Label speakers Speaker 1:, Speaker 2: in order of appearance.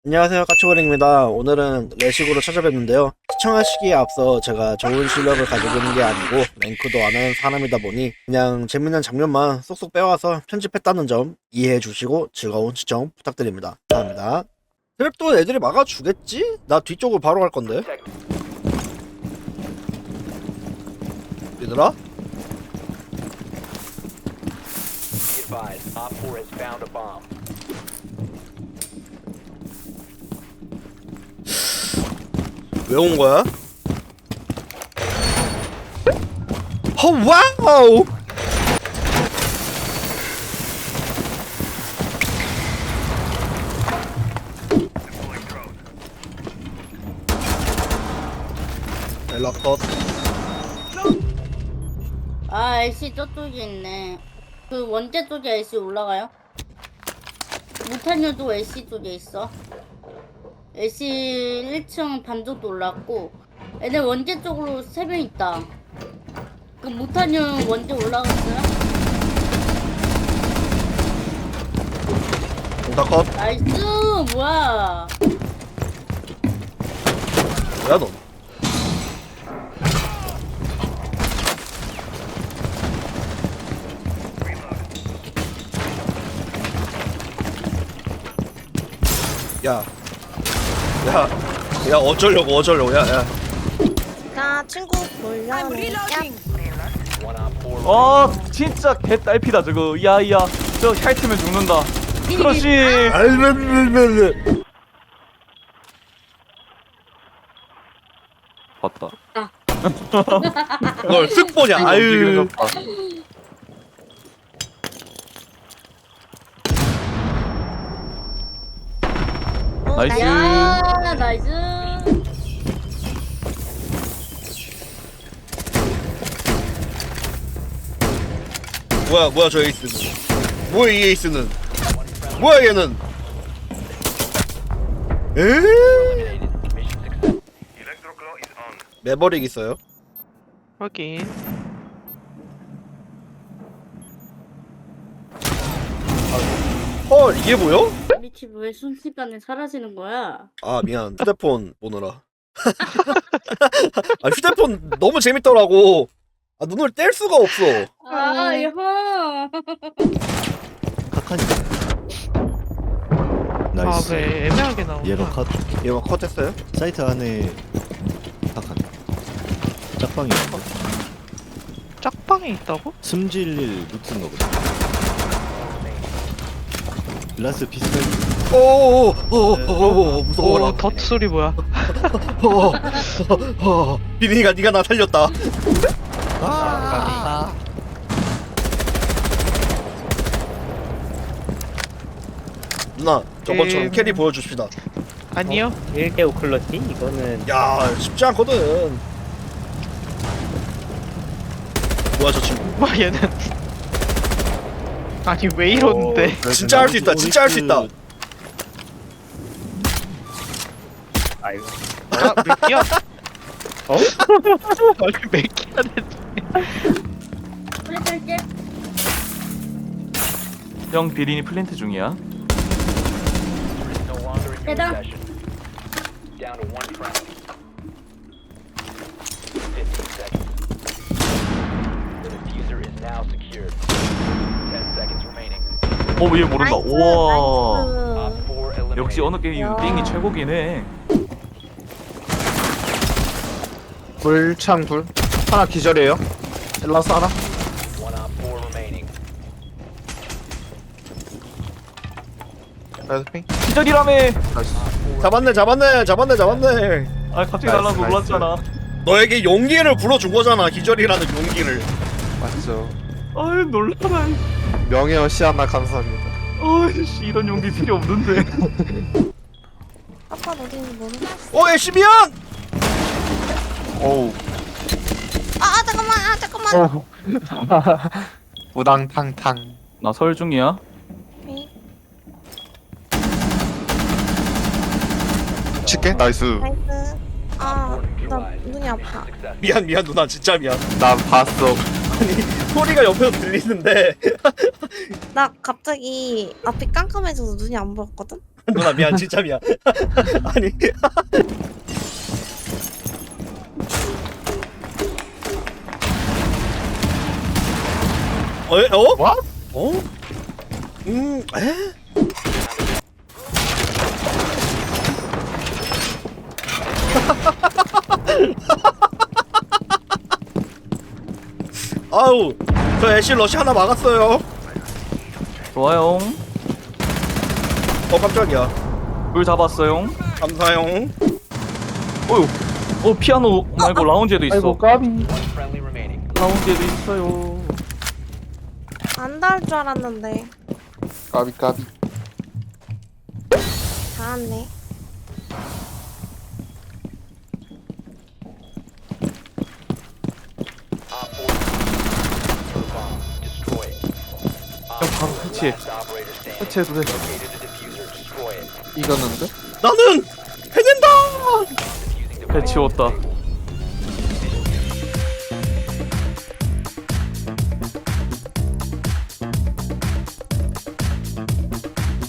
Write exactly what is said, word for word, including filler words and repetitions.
Speaker 1: 안녕하세요, 까치고랭입니다. 오늘은 레식으로 찾아뵙는데요. 시청하시기에 앞서 제가 좋은 실력을 가지고 있는 게 아니고 랭크도 안 하는 사람이다 보니 그냥 재밌는 장면만 쏙쏙 빼와서 편집했다는 점 이해해 주시고 즐거운 시청 부탁드립니다. 감사합니다. 트랩도 애들이 막아주겠지? 나 뒤쪽으로 바로 갈 건데. 얘들아? 왜 온 거야? 어, 와우! ელ라컷.
Speaker 2: 아, 엘씨 저쪽에 있네. 그 원제 쪽에 엘씨 올라가요? 무탄유도 엘씨 쪽에 있어. 엘씨 일 층 반 정도 올랐고, 애들 원제 쪽으로 세 명 있다. 그 무탄유 원제 올라갔어요?
Speaker 1: 오다컷.
Speaker 2: 나이스! 뭐야?
Speaker 1: 뭐야 넌? 야, 야, 야 어쩌려고 어쩌려고 야, 야.
Speaker 3: 나 친구 몰려내.
Speaker 4: 아 진짜 개딸피다 저거. 야야 저 핥으면 죽는다. 그렇지.
Speaker 1: 알면면면.
Speaker 4: 봤다.
Speaker 1: 널 쓱 보냐? 아유.
Speaker 4: 움직이는 것 봐.
Speaker 3: 어,
Speaker 4: 나이스.
Speaker 2: 야, 나이스!
Speaker 1: 뭐야 뭐야 저 에이스는? 뭐야 이 에이스는? 뭐야 얘는? 에? 매버릭 있어요?
Speaker 5: 확인.
Speaker 1: 헐 이게 뭐요?
Speaker 2: 우리 집 왜 순식간에 사라지는 거야?
Speaker 1: 아 미안 휴대폰 보느라. 아 휴대폰 너무 재밌더라고. 아 눈을 뗄 수가 없어.
Speaker 2: 아,
Speaker 3: 음.
Speaker 2: 이거.
Speaker 6: 카칸이 나이스.
Speaker 5: 아, 왜 애매하게 나오냐?
Speaker 6: 얘가 컷.
Speaker 1: 얘가 컷했어요?
Speaker 6: 사이트 안에 카칸. 짝방이 있고
Speaker 5: 짝방에 있다고?
Speaker 6: 숨질릴 루트인 거거든. 라스 비슷한.
Speaker 1: 오오오오오 무서워라.
Speaker 5: 오, 덧 소리 뭐야?
Speaker 1: 비니가 네가 나 살렸다.
Speaker 6: 아.
Speaker 1: 누나 저번처럼
Speaker 5: 음.
Speaker 1: 캐리 보여줍시다.
Speaker 5: 아니요.
Speaker 7: 일 대 오 클러치? 이거는
Speaker 1: 야 쉽지 않거든. 뭐야 저 친구?
Speaker 5: 뭐 얘는. 아니 왜 이러는데?
Speaker 1: 진짜 할 수 있다. 진짜 할 수 있다.
Speaker 7: 아이고
Speaker 5: 아, 몇 개야?
Speaker 7: 어?
Speaker 5: 아니 몇 개야 대체?
Speaker 2: 그래, 할게.
Speaker 4: 형 비린이 플랜트 중이야.
Speaker 2: 대단.
Speaker 4: 어얘 모른다.
Speaker 3: 나이스,
Speaker 4: 우와.
Speaker 3: 나이스.
Speaker 4: 역시 어느 게임
Speaker 3: 야.
Speaker 4: 띵이 최고긴 해.
Speaker 8: 불창 둘 하나 기절이에요. 엘라스 하나. 레드핑
Speaker 4: 기절이라며.
Speaker 8: 나이스.
Speaker 1: 잡았네 잡았네 잡았네 잡았네.
Speaker 4: 아 갑자기
Speaker 8: 나이스,
Speaker 4: 날라서
Speaker 8: 나이스.
Speaker 4: 놀랐잖아.
Speaker 1: 너에게 용기를 불어준 거잖아. 기절이라는 용기를.
Speaker 8: 맞죠.
Speaker 4: 아유 놀라라.
Speaker 8: 명예와 시아나 감사합니다.
Speaker 4: 아이씨 이런 용기 필요 없는데.
Speaker 3: 아빠 어디인지 모르겠어.
Speaker 1: 어 애쉬미안.
Speaker 8: 오우.
Speaker 3: 아, 아 잠깐만, 아 잠깐만.
Speaker 8: 우당탕탕.
Speaker 4: 나 설 중이야.
Speaker 3: 오케이.
Speaker 8: 칠게. 나이스.
Speaker 3: 나이스. 아, 나 눈이 아파.
Speaker 1: 미안 미안 누나 진짜 미안.
Speaker 8: 난 봤어.
Speaker 1: 아니 소리가 옆에서 들리는데
Speaker 3: 나 갑자기 앞이 깜깜해져서 눈이 안 보였거든.
Speaker 1: 누나 미안 진짜 미안. 아니. 어? 어?
Speaker 8: What?
Speaker 1: 어? 음, 에? 아우, 저 애쉬 러시 하나 막았어요.
Speaker 4: 좋아요.
Speaker 1: 어, 깜짝이야.
Speaker 4: 불 잡았어요.
Speaker 1: 감사용.
Speaker 4: 어휴. 어 피아노 말고 라운지에도 있어.
Speaker 7: 아이고 까비.
Speaker 4: 라운지에도 있어요.
Speaker 3: 안 닿을 줄 알았는데.
Speaker 8: 까비 까비.
Speaker 3: 닿았네.
Speaker 4: 형 바로 해치해. 해치해도 돼.
Speaker 8: 이겼는데?
Speaker 1: 나는 해낸다.
Speaker 4: 해치웠다.